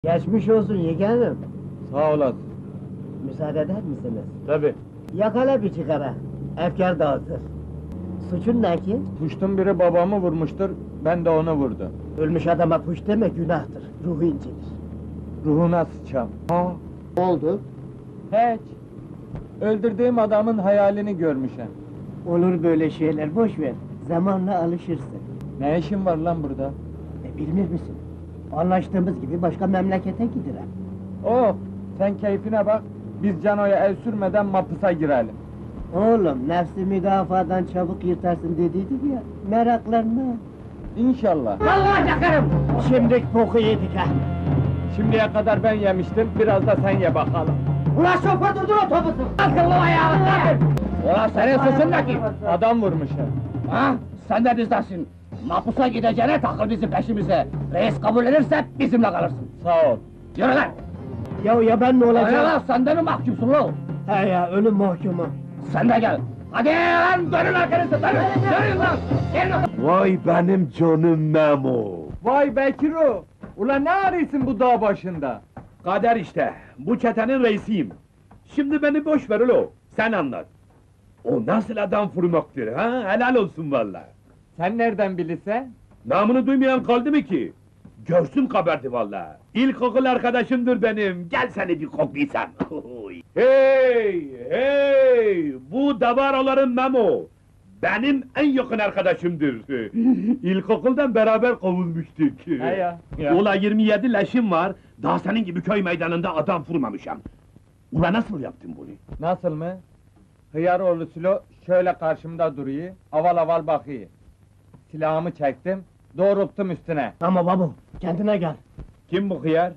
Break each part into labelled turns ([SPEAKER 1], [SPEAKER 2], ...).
[SPEAKER 1] Geçmiş olsun yeğenim.
[SPEAKER 2] Sağ olasın.
[SPEAKER 1] Müsaade eder misiniz?
[SPEAKER 2] Tabii.
[SPEAKER 1] Yakala bir çıkara. Efkar dağıtır. Suçun ne ki?
[SPEAKER 2] Puştun biri babamı vurmuştur, ben de onu vurdum.
[SPEAKER 1] Ölmüş adama puş deme günahtır. Ruhu incinir.
[SPEAKER 2] Ruhuna sıçam. Ha?
[SPEAKER 1] Oldu.
[SPEAKER 2] Hiç. Öldürdüğüm adamın hayalini görmüşem.
[SPEAKER 1] Olur böyle şeyler, boş ver. Zamanla alışırsın.
[SPEAKER 2] Ne işin var lan burada?
[SPEAKER 1] Bilmir misin? Anlaştığımız gibi başka memlekete gidelim.
[SPEAKER 2] Oh, sen keyfine bak, biz Cano'ya el sürmeden mapusa girelim.
[SPEAKER 1] Oğlum, nefsi müdafadan çabuk yırtarsın dediydik ya, meraklanma.
[SPEAKER 2] İnşallah.
[SPEAKER 1] Vallahi yakarım! Şimdilik boku yedik ha!
[SPEAKER 2] Şimdiye kadar ben yemiştim, biraz da sen ye bakalım.
[SPEAKER 1] Ulan şoför durdur otobüsü! Akıllı ayağını!
[SPEAKER 3] Ulan senin suçun ne ki?
[SPEAKER 2] Adam vurmuş ha.
[SPEAKER 3] Ha? Sen de bizdensin. Mapusa gideceğine takıl bizim peşimize. Reis kabul ederse bizimle kalırsın.
[SPEAKER 2] Sağ ol.
[SPEAKER 3] Yürü lan!
[SPEAKER 1] Ya ben ne
[SPEAKER 3] Öyle
[SPEAKER 1] olacağım?
[SPEAKER 3] lan, sen de mi mahkumsun lan?
[SPEAKER 1] He ya, ölüm mahkumu.
[SPEAKER 3] Sen de gel! Hadi lan, dönün arkanızı, dönün lan! Gelin lan!
[SPEAKER 4] Vay benim canım Memo!
[SPEAKER 2] Vay Bekiro! Ulan ne arıyorsun bu dağ başında?
[SPEAKER 4] Kader işte, bu çetenin reisiyim. Şimdi beni boş ver ulo, sen anlat. O nasıl adam vurmaktır ha? Helal olsun valla.
[SPEAKER 2] Sen nereden bilirsen?
[SPEAKER 4] Namını duymayan kaldı mı ki? Görsün kabardı valla. İlkokul arkadaşımdır benim, gel seni bir koklaysam. Hey, hey! Bu davaroların Memo! Benim en yakın arkadaşımdır. İlkokuldan beraber kovulmuştuk.
[SPEAKER 2] He ya.
[SPEAKER 4] Ula 27 leşim var, daha senin gibi köy meydanında adam vurmamışam. Ula nasıl yaptın bunu?
[SPEAKER 2] Nasıl mı? Hıyaroğlu Sülo şöyle karşımda duruyor, aval aval bakıyor. Silahımı çektim, doğrulttum üstüne.
[SPEAKER 1] Ama babu, kendine gel.
[SPEAKER 4] Kim bu hıyar?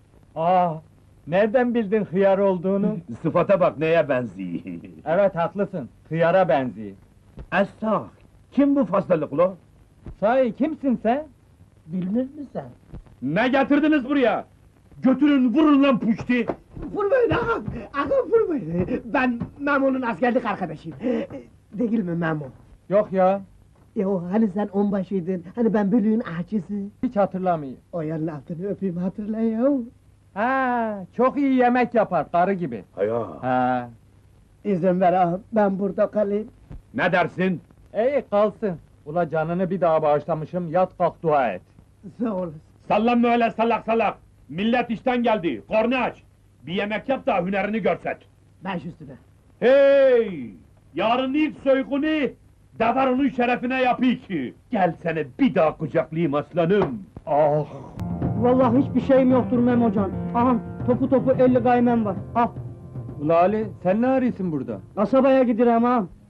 [SPEAKER 2] Nereden bildin hıyar olduğunu?
[SPEAKER 4] Sıfata bak neye benziyor.
[SPEAKER 2] Evet haklısın, hıyara benziyor.
[SPEAKER 4] Estağ, kim bu fazlalıklı?
[SPEAKER 2] Sahi kimsin sen?
[SPEAKER 1] Bilmir misin?
[SPEAKER 4] Ne getirdiniz buraya? Götürün vurun lan puşti!
[SPEAKER 1] Vurmayın ağam! Ağam vurmayın! Ben Memo'nun askerlik arkadaşıyım. Değil mi Memo?
[SPEAKER 2] Yok ya,
[SPEAKER 1] Hani sen onbaşıydın, hani ben bölüğün ahçısı.
[SPEAKER 2] hiç hatırlamıyorum.
[SPEAKER 1] O yanın altını öpeyim hatırla ya.
[SPEAKER 2] Çok iyi yemek yapar, karı gibi.
[SPEAKER 4] Haya!
[SPEAKER 1] İzin ver ağam, ben burada kalayım.
[SPEAKER 4] Ne dersin?
[SPEAKER 2] İyi kalsın. Ula canını bir daha bağışlamışım, yat kalk dua et.
[SPEAKER 1] Sağ olasın.
[SPEAKER 4] Sallanma öyle salak salak! Millet işten geldi, korna aç! Bir yemek yap da hünerini görset!
[SPEAKER 1] Baş üstüne.
[SPEAKER 4] Hey! Yarın ilk soygunu, Davaro'nun şerefine yapayım ki! Gel seni bir daha kucaklayayım aslanım! Ah!
[SPEAKER 1] Vallahi hiçbir şeyim yoktur Memocan. Aha, topu 50 gaymem var. Al,
[SPEAKER 2] Ula Ali, sen ne arıyorsun burada?
[SPEAKER 1] kasabaya giderim ağam.